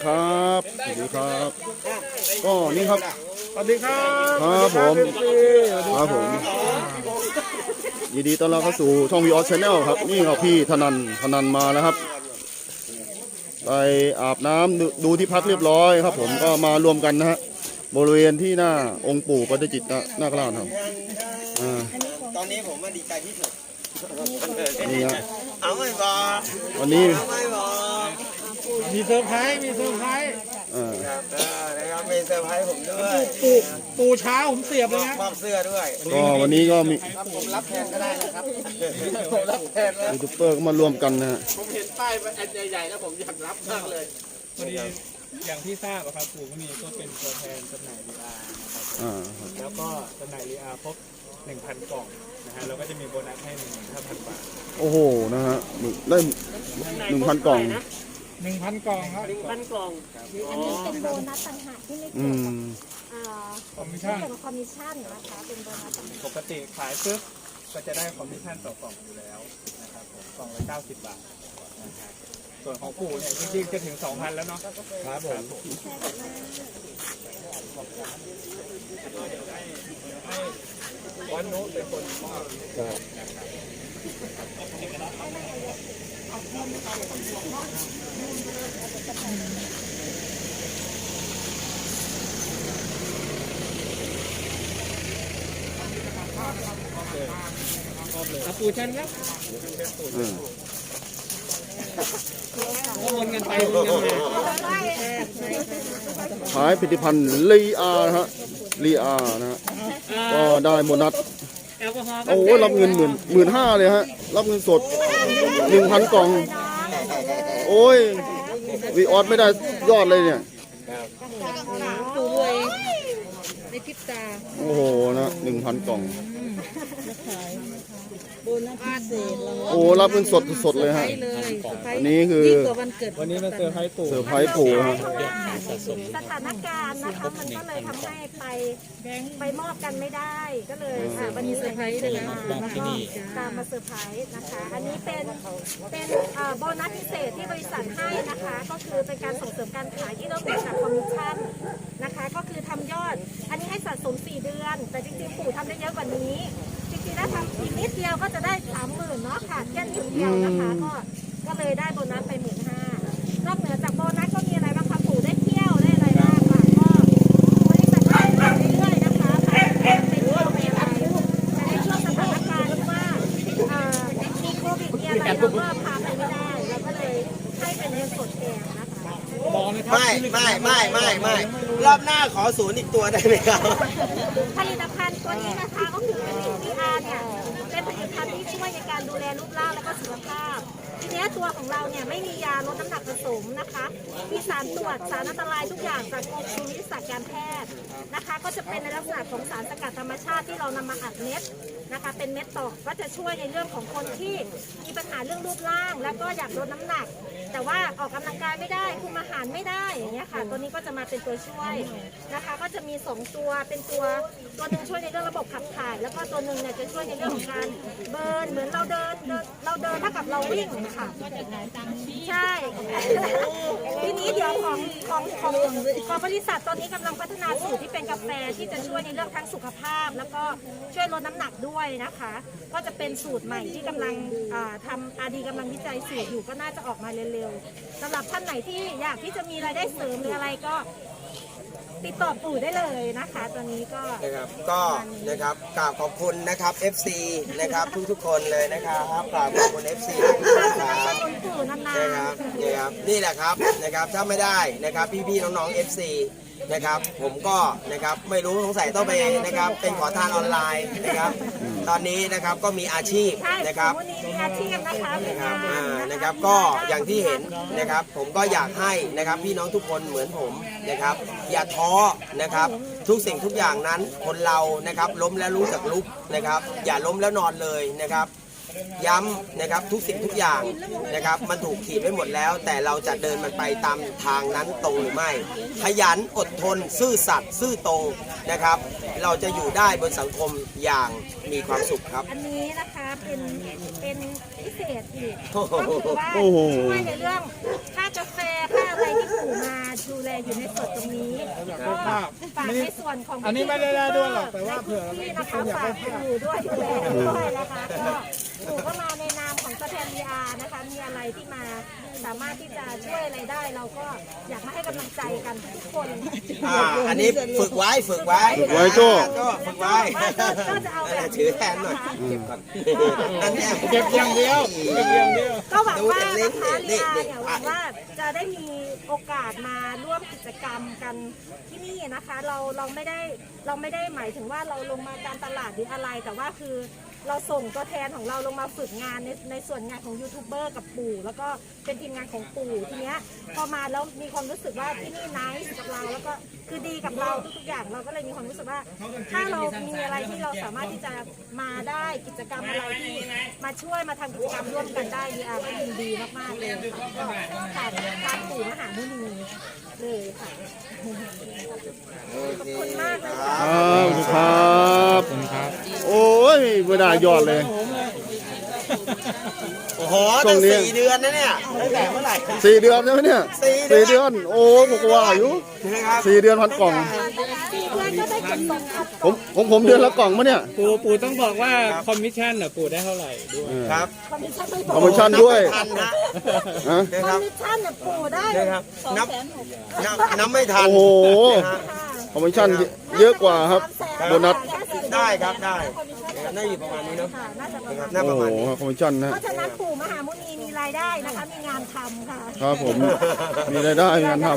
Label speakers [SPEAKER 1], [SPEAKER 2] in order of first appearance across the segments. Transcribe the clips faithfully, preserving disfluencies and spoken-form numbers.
[SPEAKER 1] ครับสวัสดีครับก็นี่ครับ
[SPEAKER 2] สวัสดีครับ
[SPEAKER 1] ครับผมครับผมยินดีต้อนรับเข้าสู่ช่องวีออสชาแนลครับนี่ครับพี่ธนันธนันมาแล้วครับไปอาบน้ำ ด, ดูที่พักเรียบร้อยครับผมก็มารวมกันนะฮะบริเวณที่หน้าองค์ปู่ปฏิจิตรหน้ากราชครับ
[SPEAKER 3] ตอนนี้ผมมาดีใจที่สุด
[SPEAKER 1] นี่ฮะ
[SPEAKER 3] เอาไม่บอก
[SPEAKER 1] วันนี้
[SPEAKER 3] ไม่บอก
[SPEAKER 2] มีเซอร์ไพรส์มีเซอร์ไพรส์
[SPEAKER 1] อ่า
[SPEAKER 3] นะครับมีเซอร์ไพรส์ผมด้วย
[SPEAKER 2] ปูปูเช้าผมเสียบเลยนะ
[SPEAKER 3] มอบเสื้อด้วย
[SPEAKER 1] ก็วันนี้ก็มี
[SPEAKER 3] ผมรับแทนก็ได้นะครับผมรับแทน
[SPEAKER 1] ยูทูบเบอร์ก็มารวมกันนะฮะ
[SPEAKER 3] ผมเห็นป้ายอันใหญ่ๆแล้วผมอยากรับมากเลย
[SPEAKER 2] พอดีอย่างที่ทราบครับปู่ก็มีก็เป็นตัวแทนจำหน่ายลีอาร์นะครับแล้วก็จำหน่ายลีอาร์ครบหนึ่งพันกล่องนะฮะเราก็จะมีโบนัสให้หนึ่งหมื่นห้าพันบาท
[SPEAKER 1] โอ้โหนะฮะได้หนึ่งพันกล่อง
[SPEAKER 2] หนึ่งพันกล่องครับ
[SPEAKER 3] หนึ่งพันกล่อง
[SPEAKER 4] อันนี้เป็นโบนัสต่างหากที่ไม่เกี่ยวกับคอมมิชชั่นเกี่ยวกับคอมมิชชั่นนะคะเป็นโบนัสต่างหาก
[SPEAKER 2] ปกติขายปึ๊บก็จะได้คอมมิชชั่นต่อกล่องอยู่แล้วนะครับผมกล่องละเก้าสิบบาทนะครับส่วนของปู่เนี่ยจริงๆจะถึงสองพันแล้วเนาะ
[SPEAKER 3] ครับผมวันโน้ตเป็นคนมอบ
[SPEAKER 2] ปู่ชันครับวนกันไปวนกันมา
[SPEAKER 1] ขายผลิตภัณฑ์ลีอาร์ฮะลีอาร์นะฮะก็ได้โบนัสโอ้รับเงินหมื่นหมื่นห้าเลยฮะรับเงินสดหนึ่งพันกล่องโอ้ยวีออสไม่ได้ยอดเลยเนี่ย
[SPEAKER 4] ปู่รวยในพริบตา
[SPEAKER 1] โอ้โหนะหนึ่งพันกล่อง
[SPEAKER 4] โบนัสพิเศษ
[SPEAKER 1] โอ้รับเงินสดสดเลยฮะอันนี้คือ
[SPEAKER 2] วันนี้มาเซอร์ไพรส์ปู่
[SPEAKER 1] เซอร์ไพรส์ปู่ฮะ
[SPEAKER 4] สถานการณ์นะคะมันก็เลยทำให้ไปไปมอบกันไม่ได้ก็เลยวันนี้เซอร์ไพรส์เลยมาแล้วก็ตามมาเซอร์ไพรส์นะคะอันนี้เป็นเป็นโบนัสพิเศษที่บริษัทให้นะคะก็คือเป็นการส่งเสริมการขายที่เราเกิดจากคอมมิชชั่นนะคะก็คือทำยอดอันนี้ให้สะสมสี่เดือนแต่จริงๆปู่ทำได้เยอะกว่านี้จริงๆแล้วทำอีกนิดเดียวก็จะได้สามหมื่นเนาะค่ะแค่นิดเดียวนะคะก็ก็เลยได้โบนัสไปหมื่นห้านอกเหนือจากโบนัสก็มีอะไรบ้างคะปู่ได้เที่ยวได้อะไรบ้างค่ะก็บริษัทขายไปเรื่อยๆนะคะไปเที่ยวไปอะไรแต่ในช่วงสถานการณ์ที่ว่ามีโควิดมีอะไรเราก็พาไปไม่ได้เราก็เลยให้เป็นเงินสดแทนนะคะ
[SPEAKER 3] ไม่ไม่ไม่ไม่ไม่รอบหน้าขอศูนย์อีกตัวได้ไหมครับ
[SPEAKER 4] ผลิตภัณฑ์ตัวนี้นะคะก็คือลีอาร์เนี่ยเป็นผลิตภัณฑ์ที่ช่วยในการดูแลรูปร่างและก็สุขภาพทีนี้ตัวของเราเนี่ยไม่มียาลดน้ำหนักผสมนะคะมีสารตรวจสารอันตรายทุกอย่างจากกรมวิทยาศาสตร์การแพทย์นะคะก็จะเป็นในลักษณะของสารสกัดธรรมชาติที่เรานำมาอัดเม็ดนะคะเป็นเม็ดตอกก็จะช่วยในเรื่องของคนที่มีปัญหาเรื่องรูปร่างแล้วก็อยากลดน้ำหนักแต่ว่าออกกำลังกายไม่ได้คุมอาหารไม่ได้อย่างเงี้ยค่ะตัวนี้ก็จะมาเป็นตัวช่วยนะคะก็จะมีสองตัวเป็นตัวตัวนึงช่วยในเรื่องระบบขับถ่ายแล้วก็ตัวนึงเนี่ยจะช่วยในเรื่องของการเบิร์นเหมือนเราเดินเราเดินเท่ากับเราวิ่งค่ะใช่ทีนี้เดี๋ยวของของของของบริษัทตอนนี้กำลังพัฒนาสูตรที่เป็นกาแฟที่จะช่วยในเรื่องทั้งสุขภาพแล้วก็ช่วยลดน้ำหนักด้วยนะคะก็จะเป็นสูตรใหม่ที่กำลังทำอาดีกำลังวิจัยสูตรอยู่ก็น่าจะออกมาเร็วๆสำหรับท่านไหนที่อยากที่จะมีรายได้เสริมหรืออะไรก็ติดต่อปู่ได้เลยนะคะตอนนี้ก็
[SPEAKER 3] นะครับก็นะครับกราบขอบคุณนะครับ เอฟ ซี นะครับทุกๆคนเลยนะครับกราบขอบคุณ เอฟ ซี นะครับนะครับนะครับนี่แหละครับนะครับถ้าไม่ได้นะครับพี่ๆน้องๆ เอฟ ซี นะครับผมก็นะครับไม่รู้สงสัยต้องไปนะครับเป็นขอทานออนไลน์นะครับตอนนี้นะครับก็มีอาชีพนะครับ
[SPEAKER 4] มีอาชีพนะคะ
[SPEAKER 3] นะครับนะครับก็อย่างที่เห็นนะครับผมก็อยากให้นะครับพี่น้องทุกคนเหมือนผมนะครับอย่าท้อนะครับทุกสิ่งทุกอย่างนั้นคนเรานะครับล้มแล้วรู้จักลุกนะครับอย่าล้มแล้วนอนเลยนะครับย้ำนะครับทุกสิ่งทุกอย่างนะครับมันถูกขีดไว้หมดแล้วแต่เราจะเดินมันไปตามทางนั้นตรงหรือไม่ขยันอดทนซื่อสัตย์ซื่อตรงนะครับเราจะอยู่ได้บนสังคมอย่างมีความสุขครับ
[SPEAKER 4] อันนี้นะคะเป็นเป็นพิเศษอีกก็คือว่าช่วยในเรื่องค่ากาแฟค่าอะไรที่ปู่มาดูแลอยู่ในส่วนตรงนี้ก็ฝากในส่วนของ
[SPEAKER 2] อันนี้ไม่ได้ได้ด้วยหรอกแต่ว่าเผื่อ
[SPEAKER 4] ที่นะคะฝากปู่ด้วยดูแลด้วยนะคะก็ปู่ก็มาในนามของตัวแทน วี อาร์ นะคะมีอะไรที่มาสามารถที่จะช่วยอะไรได้เราก็อยากมาให้กำลังใจกันทุกคน
[SPEAKER 3] อ่าอันนี้ฝึกไว้ฝึกไว้
[SPEAKER 1] ฝึกไว้โจ้
[SPEAKER 3] โจ้ฝึกไว้
[SPEAKER 4] ก็จะเอาแบบ
[SPEAKER 3] ถือแทนหน่อยเก็บก่อนนั่นแหละ
[SPEAKER 2] เก็บอย่างเดียวเก็บอย่างเดียว
[SPEAKER 4] ก็หวังว่านะคะลีอาเนี่ยหวังว่าจะได้มีโอกาสมาร่วมกิจกรรมกันที่นี่นะคะ เราเราไม่ได้เราไม่ได้หมายถึงว่าเราลงมาการตลาดหรืออะไร แต่ว่าคือเราส่งตัวแทนของเราลงมาฝึกงานในในส่วนงานของยูทูบเบอร์กับปู่แล้วก็เป็นทีมงานของปู่ทีเนี้ยพอมาแล้วมีความรู้สึกว่าที่นี่ไนท์กับเราแล้วก็คือดีกับเราทุกๆอย่างเราก็เลยมีความรู้สึกว่า ถ้าเรามีอะไรที่เราสามารถที่จะมาได้กิจกรรมอะไรที่มาช่วยมาทำกิจกรรมร่วมกันได้ดีอาร์ก็ยินดีมากๆเลยค่ะก็ขาดทางปู่มหามุนีเลยค่ะขอบคุณมากเลยค่ะ
[SPEAKER 1] ครับครับโอ้ยไม่ได้ยอดเลย
[SPEAKER 3] โอ้โห
[SPEAKER 1] ช่
[SPEAKER 3] ตั้
[SPEAKER 1] ว
[SPEAKER 3] ง
[SPEAKER 1] งนี้
[SPEAKER 3] สี่เดือนนะเนี่ยตั้งแต่เมื่อไหร่
[SPEAKER 1] สี่เดือนใช่ไหมเนี่ย
[SPEAKER 3] สี่เดือน
[SPEAKER 1] สี่เดือนโอ้ผมก็ว่าอยู่
[SPEAKER 3] นะครับ
[SPEAKER 1] สี่เดือนพันกล่อง
[SPEAKER 4] สี่เดือนก็ได้เก็บส่งครับ
[SPEAKER 1] ผมผมผมเดือนละกล่องมะเนี่ย
[SPEAKER 2] ปู่ปู่ต้องบอกว่าคอมมิชชั่นน่ะปู่ได้เท่าไหร่ด้วย
[SPEAKER 3] ครับ
[SPEAKER 4] คอมมิชชั่นไม่บ
[SPEAKER 1] ค
[SPEAKER 4] อ
[SPEAKER 1] อก มมิชชั่นด้วย
[SPEAKER 3] ทันนะ
[SPEAKER 1] ฮะ
[SPEAKER 3] นะ
[SPEAKER 4] ค
[SPEAKER 3] ค
[SPEAKER 4] อ
[SPEAKER 3] รั
[SPEAKER 4] ม
[SPEAKER 3] บ
[SPEAKER 4] มิชชั่นเนี่ยปู่ได้
[SPEAKER 3] นะครับ
[SPEAKER 4] สอง
[SPEAKER 3] นับ
[SPEAKER 4] แสนหก
[SPEAKER 3] นับนับไม่ทัน
[SPEAKER 1] โอ้โห
[SPEAKER 3] นะฮะ
[SPEAKER 1] คอมมิชชั่นเยอะกว่าครับโบนัส
[SPEAKER 3] ได้ครับได้น่าอยู่ประมาณนี้เนาะ
[SPEAKER 4] ค่ะน่าจะประมาณ
[SPEAKER 3] น่า
[SPEAKER 1] โอ้
[SPEAKER 3] ประ
[SPEAKER 1] โห
[SPEAKER 3] มาณนี้
[SPEAKER 1] คอมมิชชั่นนะ
[SPEAKER 4] เพราะฉะนั้นปู่มหามุนีมีรายได้นะคะ มีงานทำค่ะ
[SPEAKER 1] ครับผมมีรายได้มีงานทำ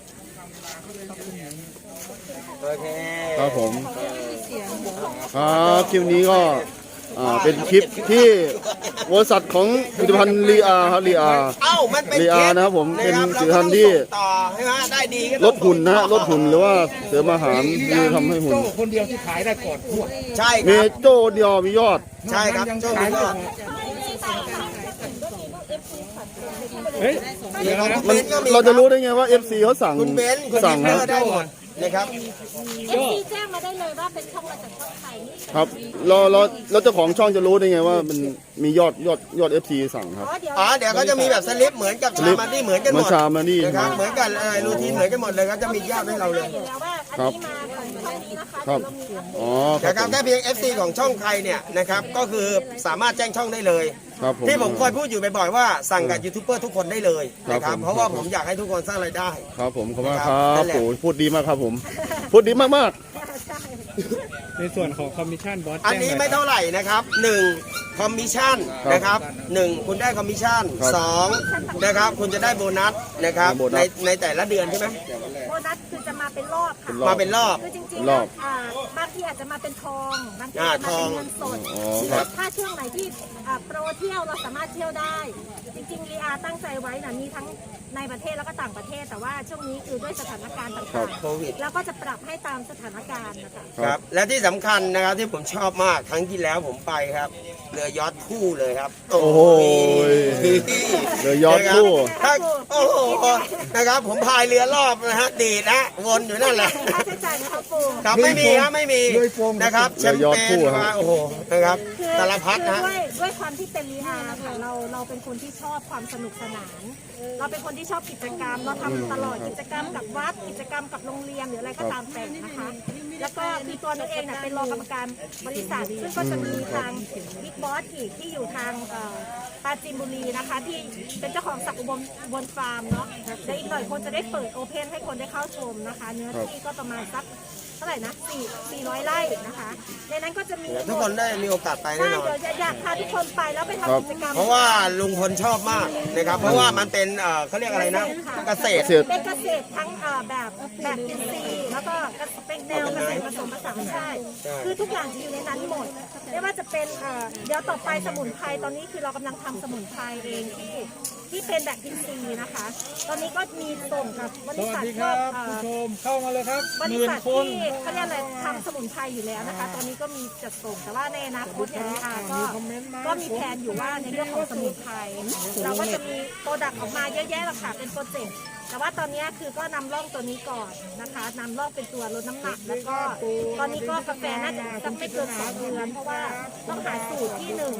[SPEAKER 3] โอเค
[SPEAKER 1] ครับผมครับคลิปนี้ก็อ่าเป็นคลิปที่บริษัทของผลิตภัณฑ์ลีอาครับลีอา
[SPEAKER 3] เอ้ามันเป็น
[SPEAKER 1] ลีอานะครับผมเป็น
[SPEAKER 3] ครับ
[SPEAKER 1] ผลิตภัณฑ์ที่
[SPEAKER 3] เราก็ต้องส่งต่อใช่ไหมได้ดีก็
[SPEAKER 1] ล
[SPEAKER 3] ต้อง
[SPEAKER 1] ดหุ่นนะฮะลดหุ่นหรือว่าเสริมอาหารที่ทำให้หุ่น
[SPEAKER 2] คนเดียวที่ขายได้ก่อนทั่ว
[SPEAKER 3] ใช่ค
[SPEAKER 1] มี
[SPEAKER 3] รับ
[SPEAKER 1] โจ้เดียวมียอด
[SPEAKER 3] ใช่ครับโชคดีก็
[SPEAKER 2] เฮ้ย
[SPEAKER 3] มีของคุณ
[SPEAKER 1] มัน
[SPEAKER 3] เบนก็มี
[SPEAKER 1] เราจะรู้ได้ไงว่า เอฟ ซี เขาสั่ง
[SPEAKER 3] คุณเบนคุณ
[SPEAKER 1] สั่ง
[SPEAKER 3] เบ
[SPEAKER 1] นะ
[SPEAKER 3] นได้หมดนะครับ
[SPEAKER 4] เอฟซีแจ้งมาได้เลยว่าเป็นช่องมาจากช่องไทยนี่
[SPEAKER 1] ครับเราเราเราเจ้าของช่องจะรู้ได้ไงว่ามันมียอดยอดยอด เอฟ ซี สั่งครับ
[SPEAKER 4] อ๋อเดี๋ยว
[SPEAKER 3] อ๋อเดี๋ยวเขาจะมีแบบสลิปเหมือนกับ
[SPEAKER 1] สลิ
[SPEAKER 3] ชา
[SPEAKER 1] ป
[SPEAKER 3] มาที่เหมือนกันห
[SPEAKER 1] เหมื
[SPEAKER 3] ม
[SPEAKER 1] อน
[SPEAKER 3] ด
[SPEAKER 1] ชามานี่
[SPEAKER 3] นะครับเหมือนกันอะไรรูทีนเหมือนกันหมดเลยครับจะมียอดให้เราเลย
[SPEAKER 4] อยู่แล้วว่าอันนี้มาของช่องนี้นะคะ
[SPEAKER 1] ครับ
[SPEAKER 4] เดี๋ยวเรามีอัปเดต
[SPEAKER 1] อ๋อค
[SPEAKER 3] นะค
[SPEAKER 1] รั
[SPEAKER 3] รั
[SPEAKER 1] บบ ผม
[SPEAKER 3] แค่เพียง เอฟ ซี ของช่องใครเนี่ยนะครับก็คือสามารถแจ้งช่องได้เลย
[SPEAKER 1] ครับผม
[SPEAKER 3] ที่ผมเคยพูดอยู่บ่อยๆว่าสั่งกับยูทูบเบอร์ทุกคนได้เลยนะค
[SPEAKER 1] ครั
[SPEAKER 3] รั
[SPEAKER 1] บบ ผม
[SPEAKER 3] เพราะว่าผมอยากให้ทุกคนสร้างรายได้
[SPEAKER 1] ครับผมขอบคุณมาก
[SPEAKER 3] ค
[SPEAKER 1] ค
[SPEAKER 3] รั
[SPEAKER 1] รั
[SPEAKER 3] บบ นั่นแหละ
[SPEAKER 1] โอ้พูดดีมากครับผม พูดดีมาก
[SPEAKER 4] ใช่
[SPEAKER 2] ในส่วนของคอมมิชชั่นบอส
[SPEAKER 3] อันนี้ไม่เท่าไหร่นะครับหนึ่งคอมมิชชั่นนะครับหนึ่งคุณได้คอมมิชชั่นสองนะครับคุณจะได้โบนัสนะครับในในแต่ละเดือนใช่ไหม
[SPEAKER 4] โบนัสคือจะมาเป็นรอบค่ะ
[SPEAKER 3] มาเป็นรอบ
[SPEAKER 4] คือจริง
[SPEAKER 1] รอบ
[SPEAKER 4] ๆอ่าบางทีอาจจะมาเป็นทองบางที
[SPEAKER 3] อ่า
[SPEAKER 4] อาจจะมาเป็น
[SPEAKER 3] ทอง
[SPEAKER 4] เงินสด
[SPEAKER 1] อ๋อครับ
[SPEAKER 4] ถ้าช่วงไหนที่อ่าโปรเที่ยวเราสามารถเที่ยวได้ จริงๆลีอาตั้งใจไว้นะมีทั้งในประเทศแล้วก็ต่างประเทศ แต่ว่าช่วงนี้คือด้วยสถานการณ์ต่าง
[SPEAKER 3] โควิด
[SPEAKER 4] ๆแล้วก็จะปรับให้ตามสถานการณ์นะคะ
[SPEAKER 1] ๆ
[SPEAKER 3] ครับและที่สำคัญนะครับที่ผมชอบมากครั้งที่แล้วผมไปครับเรือยอทคู่เลยครับ
[SPEAKER 1] โอ้โห เรือยอทคู่
[SPEAKER 3] ถ้าโอ้โหนะครับผมพายเรือรอบนะฮะดีดนะวนอยู่นั่นแหละ
[SPEAKER 4] ค่าใช้จ่ายนะคะปู
[SPEAKER 3] ครับไม่มีครับไม่มีนะครับแชม
[SPEAKER 1] เรือยอท
[SPEAKER 3] เป
[SPEAKER 1] คู่
[SPEAKER 3] ญ
[SPEAKER 1] ครับ
[SPEAKER 3] มาโอ้โหนะครับ
[SPEAKER 4] คือ
[SPEAKER 3] สารพัด
[SPEAKER 4] คือ
[SPEAKER 3] นะ
[SPEAKER 4] ด้วยด้วยความที่เป็นลีอาค่ะเราเราเป็นคนที่ชอบความสนุกสนาน เราเป็นคนที่ชอบกิจกรรม เราทำตลอดกิจกรรมกับวัดกิจกรรมกับโรงเรียนหรืออะไรก็ตามแต่นะคะ แล้วก็คือตัวนันเองเนี่ยเป็นรองกรรมการบริษัทซึ่งก็จะมีทางบิ๊กบอสอีกที่อยู่ทางเอ่อปราจีนบุรีนะคะ ที่เป็นเจ้าของสักอุบลบนฟาร์มเนาะเดี๋ยวอีกหน่อยคนจะได้เปิดโอเพนให้คนได้เข้าชมนะคะ เนื้อที่ก็ประมาณสักเท่าไหร่นะสี่สี่ร้อยไร่นะคะในนั้นก็จะมี
[SPEAKER 3] ทุกคนได้มีโอกาสไปแน่
[SPEAKER 4] ใช่
[SPEAKER 3] นอน
[SPEAKER 4] เดี๋ยวจะอยากพาทุกคนไปแล้วไป
[SPEAKER 1] ครับ
[SPEAKER 4] ทำกิจกรรม
[SPEAKER 3] เพราะว่าลุงพลชอบมากนะครับ เพราะว่ามันเป็นเอ่อเขาเรียกอะไรนะเกษตร
[SPEAKER 1] เกษตร
[SPEAKER 4] เป็นเกษตรทั้งเอ่อแบบแบบอินทรีย์แล้วก็เป็นแนวเกษตรผสมผสานใช่ คือทุกอย่างจะอยู่ในนั้นหมดไม่ว่าจะเป็นเอ่อเดี๋ยวต่อไปสมุนไพรตอนนี้คือเรากำลังทำสมุนไพรเองที่ที่เป็นแบบอินทรีย์นะคะ ตอนนี้ก็มีส่งกับบ
[SPEAKER 2] ส
[SPEAKER 4] ริ
[SPEAKER 2] วัส
[SPEAKER 4] ษัท
[SPEAKER 2] ดี
[SPEAKER 4] พ
[SPEAKER 2] คว รั
[SPEAKER 4] ก
[SPEAKER 2] บ
[SPEAKER 4] เอ่อ
[SPEAKER 2] ผู้ชมเข้ามาเลยครับ
[SPEAKER 4] บ
[SPEAKER 2] ห
[SPEAKER 4] ริ
[SPEAKER 2] มื่น
[SPEAKER 4] ษัท
[SPEAKER 2] คน
[SPEAKER 4] ที่เขาเรียกอะไรทำสมุนไพรอยู่แล้วนะคะ ตอนนี้ก็มีจัดส่งแต่ว่าในอนาคตเนี่ยอาก็ก็มีแผนอยู่ว่าในเรื่องของสมุนไพรเราก็จะมีโปรดักต์ออกมาเยอะแยะหรอกค่ะเป็นโปรเจกต์แต่ว่าตอนนี้คือก็นำร่องตัวนี้ก่อนนะคะนำร่องเป็นตัวลดน้ำหนัก แล้วก็ตอนนี้ก็กาแฟน่าจะสักไม่เกินสองเดือนเพราะว่าต้องหาสูตรที่หนึ่ง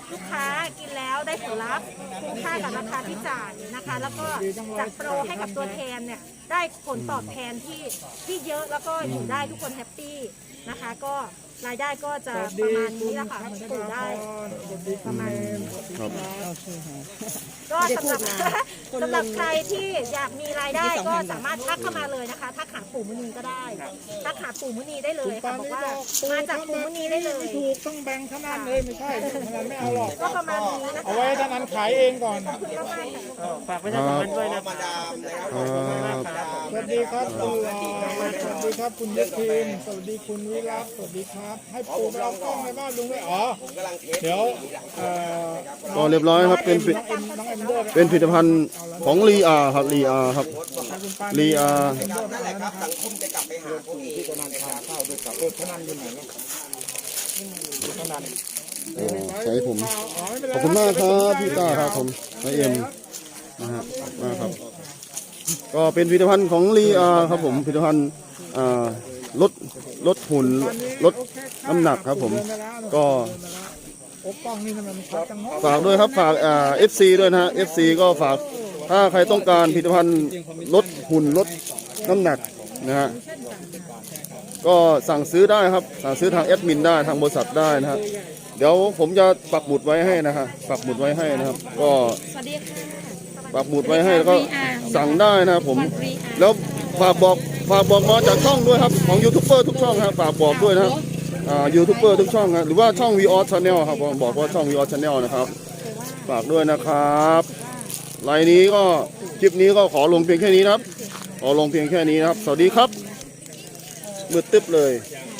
[SPEAKER 4] ลูกค้ากินแล้วได้ผลลัพธ์คุ้มค่ากับราคาที่จ่ายนะคะ แล้วก็จัดโปรให้กับตัวแทนเนี่ยได้ผลตอบแทนที่ที่เยอะแล้วก็อยู่ได้ทุกคนแฮปปี้นะคะ ก็รายได้ก็จะประมาณนี้แหละค่ะปลูกได้ประมาณนี้
[SPEAKER 1] ครับ
[SPEAKER 4] ก็สำหรับสำหรับใครที่อยากมีรายได้ก็สามารถทักเข้ามาเลยนะคะทักหาปู่มุนีก็ได้ทักหาปู่มุนีได้เลยค่ะบอกว่ามาจากปู่มุนีได้เลย
[SPEAKER 5] ถูกต้องแบ่งเท่านั้นเลยไม่ใช่เท่านั้นไม่เอาหรอก
[SPEAKER 4] ก็ประมาณนี้นะคะ
[SPEAKER 5] เอาไว้เท่านั้นขายเองก่อน
[SPEAKER 4] ประมาณนี้
[SPEAKER 2] ฝากประชาสัมพันธ์ด้วยนะ
[SPEAKER 3] มาดามนะครับ
[SPEAKER 1] ครับ
[SPEAKER 5] สวัสดีครับคุณหลอสวัสดีครับคุณยุทินสวัสดีคุณวิรัตสวัสดีครับ ให้ปูไปเอากล้องในบ้านลุงเลยอ๋อ
[SPEAKER 3] ผมกำลังเทส
[SPEAKER 5] เดี๋ยวเอ่อ
[SPEAKER 1] ก็เรียบร้อยครับเป็นผลิ
[SPEAKER 5] น้องเอ็มน้องเอ็มด้วย
[SPEAKER 1] เป็นผลิตภัณฑ์ของลีอาครับลีอาครับลีอา
[SPEAKER 3] นั่นแหละครับสังคมจะกลับไปหาพวกเองนะครับ
[SPEAKER 5] ข้าวด้วยกับเออพนันอยู่ไหนแล้วพนัน
[SPEAKER 1] อ๋อใช้ผม
[SPEAKER 5] อ๋อไม่เป็นไร
[SPEAKER 1] ขอบคุณมากครับพี่ต้าครับผมนายเอ็มนะฮะมากครับ ก็เป็นผลิตภัณฑ์ของลีอาครับผมผลิตภัณฑ์อ่าลดลดหุ่นลดน้ำหนักครับผมก็
[SPEAKER 5] โอ้กล้องนี่มันชัดจังเนาะ
[SPEAKER 1] ฝากด้วยครับฝากอ่าเอฟซีด้วยนะฮะเอฟซีก็ฝากถ้าใครต้องการผลิตภัณฑ์ลดหุ่นลดน้ำหนักนะฮะก็สั่งซื้อได้ครับสั่งซื้อทางแอดมินได้ทางบริษัทได้นะฮะเดี๋ยวผมจะปักหมุดไว้ให้นะฮะปักหมุดไว้ให้นะครับ ก็
[SPEAKER 4] สวัสดีค่ะ
[SPEAKER 1] ปักหมุดไว้ให้แล้วก็สั่งได้นะครับผมแล้วฝากบอกฝากบอกมาจากช่องด้วยครับของยูทูบเบอร์ทุกช่องครับฝากบอกด้วยนะครับอ่ายูทูบเบอร์ทุกช่องครับหรือว่าช่อง วี ออส Channel ครับผมบอกว่าช่อง วี ออส Channel นะครับฝากด้วยนะครับไลน์นี้ก็คลิปนี้ก็ขอลงเพียงแค่นี้นะครับขอลงเพียงแค่นี้นะครับ สวัสดีครับมืดตึ๊บเลย
[SPEAKER 4] ค